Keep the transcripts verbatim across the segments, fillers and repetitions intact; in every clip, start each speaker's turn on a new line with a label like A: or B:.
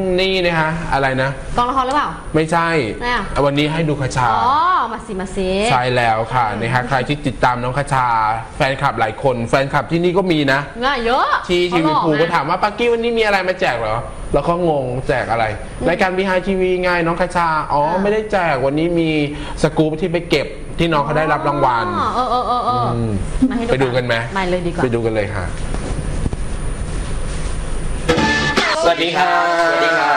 A: นี่นะคะอะไรนะ
B: กองละครหรือเปล่า
A: ไม่ใช่วันนี้ให้ดูคชา
B: อ๋อมาสิมาสิ
A: ใช่แล้วค่ะนะคะใครที่ติดตามน้องคชาแฟนคลับหลายคนแฟนคลับที่นี่ก็มีนะ
B: ง่ายเยอะ
A: ที่ทีวีภูก็ถามว่าปักกี้วันนี้มีอะไรมาแจกเหรอแล้วก็งงแจกอะไรรายการบีไฮทีวีไงน้องคชาอ๋อไม่ได้แจกวันนี้มีสกู๊ปที่ไปเก็บที่น้องเขาได้รับรางวัล
B: เออเออเออเออ
A: ไปดูกันไหม
B: ไม่เลยดีกว่า
A: ไปดูกันเลยค่ะสวัสดีค่ะ
C: สวัสดีค่ะ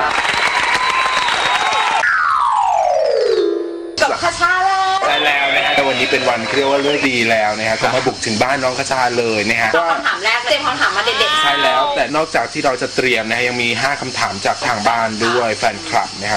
C: กับคชาแล้ว
A: ใช่แล้วนะฮะแต่วันนี้เป็นวันเรียกว่าเลิกดีแล้วนะฮะก็มาบุกถึงบ้านน้องคชาเลยนะฮะ
C: คำถามแรกเตรียมคำถามมาเด็ดๆ
A: ใช่แล้วแต่นอกจากที่เราจะเตรียมนะฮะยังมีห้าคำถามจากทางบ้านด้วยแฟนคลับนะครับ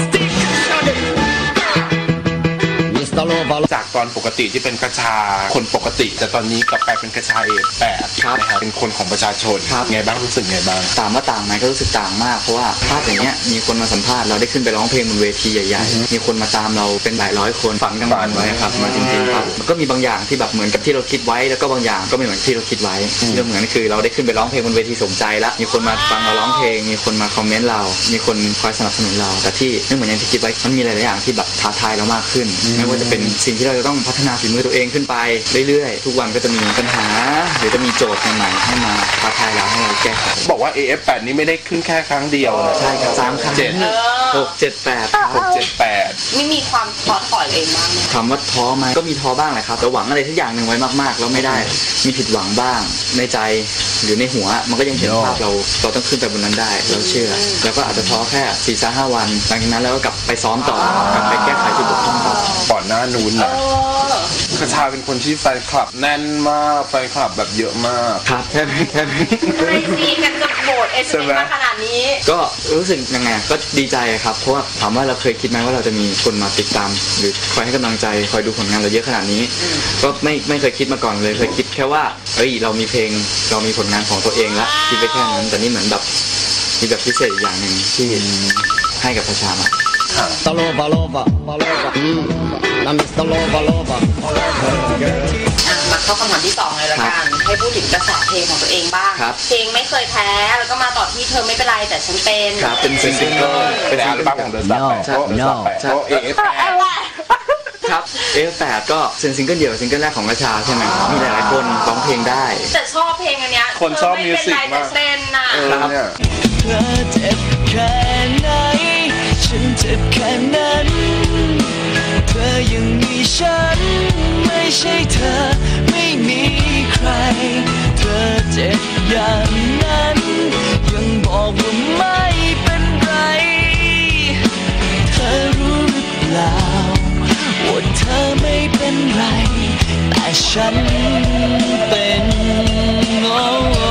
A: จากตอนปกติที่เป็นกระชาคนปกติแต่ตอนนี้กลับไปเป็นกระชาเอแปดนะครับเป็นคนของประชาชนไงบ้างรู้สึกไงบ้าง
D: ต่างว่าต่างไหมก็รู้สึกต่างมากเพราะว่าภาพอย่างเงี้ยมีคนมาสัมภาษณ์เราได้ขึ้นไปร้องเพลงบนเวทีใหญ่ๆมีคนมาตามเราเป็นหลายร้อยคนฝันกลางวันไว้ครับมาจริงๆครับมันก็มีบางอย่างที่แบบเหมือนกับที่เราคิดไว้แล้วก็บางอย่างก็ไม่เหมือนที่เราคิดไว้เรื่องเหมือนคือเราได้ขึ้นไปร้องเพลงบนเวทีสมใจแล้วมีคนมาฟังเราร้องเพลงมีคนมาคอมเมนต์เรามีคนคอยสนับสนุนเราแต่ที่ไม่เหมือนอย่างที่คิดไว้มันมีหลายๆอย่างที่แบบท้าทายเรามากขึ้นไม่ว่าจะเป็นสิ่งที่เราจะต้องพัฒนาฝีมือตัวเองขึ้นไปเรื่อยๆทุกวันก็จะมีปัญหาหรือจะมีโจทย์ใหม่ๆให้มาท้าทายเราให้เราแก้ไข
A: บอกว่า เอ เอฟ แปด นี้ไม่ได้ขึ้นแค่ครั้งเดียวนะ
D: ใช่ครับสามครั้งเจ็ดหกเจ็ดแปด
A: หกเจ็ดแปด
C: ไม่มีความท้อถอยเองบ้าง
D: คำว่าท้อไหมก็มีท้อบ้างแหละครับแต่หวังอะไรทุกอย่างหนึ่งไว้มากๆแล้วไม่ได้มีผิดหวังบ้างในใจหรือในหัวมันก็ยังเห็นภาพเราเราต้องขึ้นไปบนนั้นได้เราเชื่อแล้วก็อาจจะท้อแค่สี่ถึงห้าวันหลังจากนั้นแล้วก็กลับไปซ้อมต่อกลับไปแก้ไขจุดบกพร่องต่อ
A: ก่อนหน้านู้นนะคชาเป็นคนที่แฟนคลับแน่นมากแฟนคลับแบบเยอะมาก
D: ครับแค่แค่
C: ไม่ซีกันกับโบสถ์เอสเอ็มมาขนาดนี้
D: ก็รู้สึกยังไงก็ดีใจครับเพราะว่าถามว่าเราเคยคิดไหมว่าเราจะมีคนมาติดตามหรือคอยให้กำลังใจคอยดูผลงานเราเยอะขนาดนี้ก็ไม่ไม่เคยคิดมาก่อนเลยเคยคิดแค่ว่าเฮ้ยเรามีเพลงเรามีผลงานของตัวเองละคิดไปแค่นั้นแต่นี่เหมือนแบบมีแบบพิเศษอย่างหนึ่งที่ให้กับประชาชน
E: ตโลบาโลบาบาโลบานั่นมิสตโลบาโลบา
C: มาเข้าคำถามที่สองเลยละกันให้พูดถึงกระแสเพลงของตัวเองบ้างเพลงไม่เคยแพ้แล้วก็มาต่อที่เธอไม่เป็นไรแต่ฉันเป็น
D: ครับเป็นซิงเกิล
A: เป็นอัลบั้มของเดอะสตาร์ใช่ใช่เอ เอฟ แปด
D: ครับ เอ เอฟ แปดก็เป็นซิงเกิลเดี่ยวซิงเกิลแรกของกระชาใช่ไหมมีหลายๆคนร้องเพลงได้
C: แต่ชอบเพลงอันเนี้ย
A: คนชอบมิวสิกมาก
C: เต้นน่ะ
D: ครับ
E: เธอเจ็บแค่ไหนฉันเจ็บแค่นั้นเธอยังมีฉันไม่ใช่เธอไม่มีใครเธอเจ็บอย่างนั้นยังบอกว่าไม่เป็นไรเธอรู้หรือเปล่าว่าเธอไม่เป็นไรแต่ฉันเป็นโอ้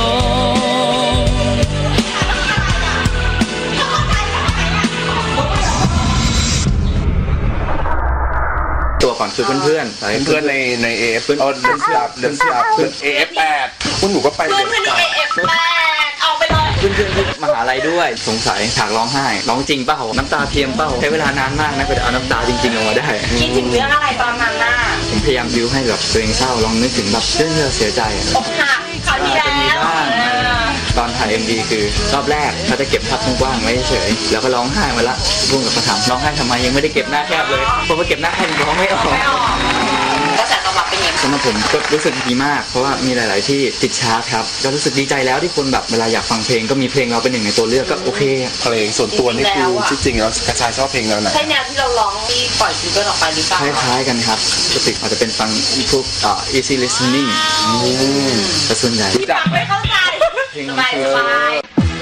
D: ตัวก่อนคือเพื่อนเพื่อน
A: เพื่อนในใน เอ เอฟ เพื่อนเดินสลับเดินสลับเพื่อน เอ เอฟ แปดคุณหนูก็ไป
C: เพื่อนเพื่อน เอ เอฟ แปดเอาไปเลย
D: เพื่อนเพื่อนที่มหาลัยด้วยสงสัยฉากร้องไห้ร้องจริงเปล่าน้ำตาเทียมเปล่าใช้เวลานานมากนะกว่าจะเอาน้ำตาจริงๆออกมาได้
C: คิดถึงเรื่องอะไรตอนนั้นน่ะ
D: ผมพยายามบิวให้แบบตัวเองเศร้าลองนึกถึงแบบเรื่องที่เราเสียใจ
C: อกหักคราวที่แล้ว
D: ตอนถ่าย เอ็ม วี คือรอบแรกเขาจะเก็บภาพกว้างๆไว้เฉยแล้วก็ร้องไห้มาละพุ่งกับประถามร้องไห้ทำไมยังไม่ได้เก็บหน้าแคบเลยพอมาเก็บหน้าแคบร้องไม่ออก
C: ก็แต่ตอบรับเป็นไง
D: สำหรับผมก็รู้สึกดีมากเพราะว่ามีหลายๆที่ติดชาร์ตครับก็รู้สึกดีใจแล้วที่คนแบบเวลาอยากฟังเพลงก็มีเพลงเราเป็นหนึ่งในตัวเลือกก็โอเค
A: เพลงส่วนตัวนี่คือจริงๆแล้วกระชายชอบเพลงแล้วนะ
C: ใช่แนวที่เราร้องที่ปล่อยซิงเกิลออกไปหรือเปล่า
D: คล้ายๆกันครับปกติอาจจะเป็นฟังพวกอ่า easy listening แต่ส่วนใหญ่
C: ไม่เข้าใจสบายสบาย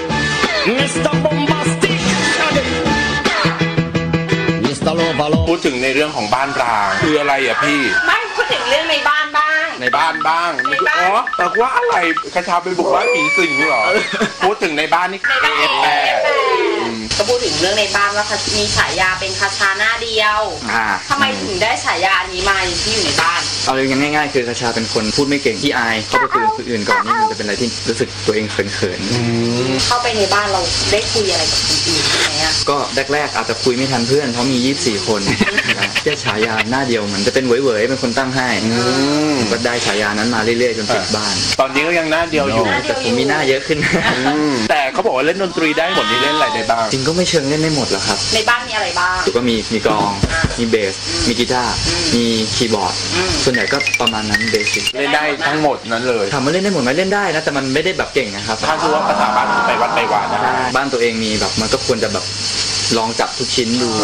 A: พูดถึงในเรื่องของบ้านร้างคืออะไรอ่ะพี่
C: ไม่พูดถึงเรื่องในบ้านบ้าง
A: ในบ้านบ้างอ๋อแต่ว่าอะไรกระชาไปบุกบ้านผีสิงเหรอพูดถึงในบ้านนี่
C: เอ เอฟ แปดก็พูดถึงเรื่องในบ้านว่ามีฉายาเป็นคชาหน้าเดียวทำไมถึงได้ฉายานี้มาที่อยู่ในบ้าน
D: เอาเลยยังง่ายๆคือกระชาเป็นคนพูดไม่เก่งที่อายเข้าไปคุยกับคนอื่นก่อนนี่มันจะเป็นอะไรที่รู้สึกตัวเองเขินๆ
C: เข้าไปในบ้านเราได้คุยอะไรกับคนอื่นใช่ไหมอะ
D: ก็แรกๆอาจจะคุยไม่ทันเพื่อนเพราะมียี่สิบสี่คนแค่ฉายาหน้าเดียวเหมือนจะเป็นเหวยๆเป็นคนตั้งให้ก็ได้ฉายานั้นมาเรื่อยๆจนติดบ้าน
F: ตอนนี้ก็ยังหน้าเดียวอยู่
D: แต่ผมมีหน้าเยอะขึ้น
F: แต่เขาบอกว่าเล่นดนตรีได้หมดนี่เล่นอะไรได้บ้าง
D: จริงก็ไม่เชิงเล่นได้หมดหรอกครับ
C: ในบ้านมีอะไรบ้าง
D: ก็มีมีกลองมีเบสมีกีตาร์มีคีย์บอร์ดส่วนใหญ่ก็ประมาณนั้นเบสิก
F: เล่นได้ทั้งหมดนั้นเลย
D: ถามว่าเล่นได้หมดไหมเล่นได้นะแต่มันไม่ได้แบบเก่งนะครับ
F: ถ้าคือว่าภาษาบ้านไปวัดไปวาได้
D: บ้านตัวเองมีแบบมันก็ควรจะแบบลองจับทุกชิ้นดู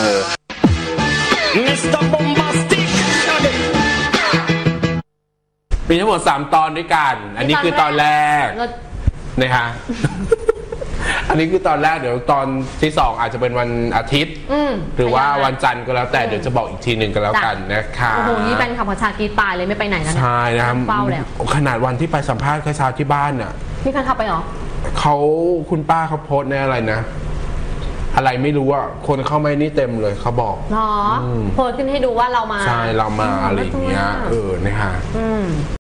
A: มีทั้งหมดสามตอนด้วยกันอันนี้คือตอนแรกนะฮะอันนี้คือตอนแรกเดี๋ยวตอนที่สองอาจจะเป็นวันอาทิตย์หรือว่าวันจันทร์ก็แล้วแต่เดี๋ยวจะบอกอีกทีหนึ่งก็แล้วกันนะคะ
B: โอ้โหนี่เป็นคำประชากีตายเลยไม่ไปไหนนะ
A: ใช่นะครับ
B: เฝ้าแล้ว
A: ขนาดวันที่ไปสัมภาษณ์คชาที่บ้านน่ะ
B: พี่คันเข้าไปหรอ
A: เขาคุณป้าเขาโพสในอะไรนะอะไรไม่รู้อ่ะคนเข้าไม่นี่เต็มเลยเขาบอก
B: เนาะโพสขึ้นให้ดูว่าเรามา
A: ใช่เรามาอะไรอย่างเงี้ยเออนะฮะ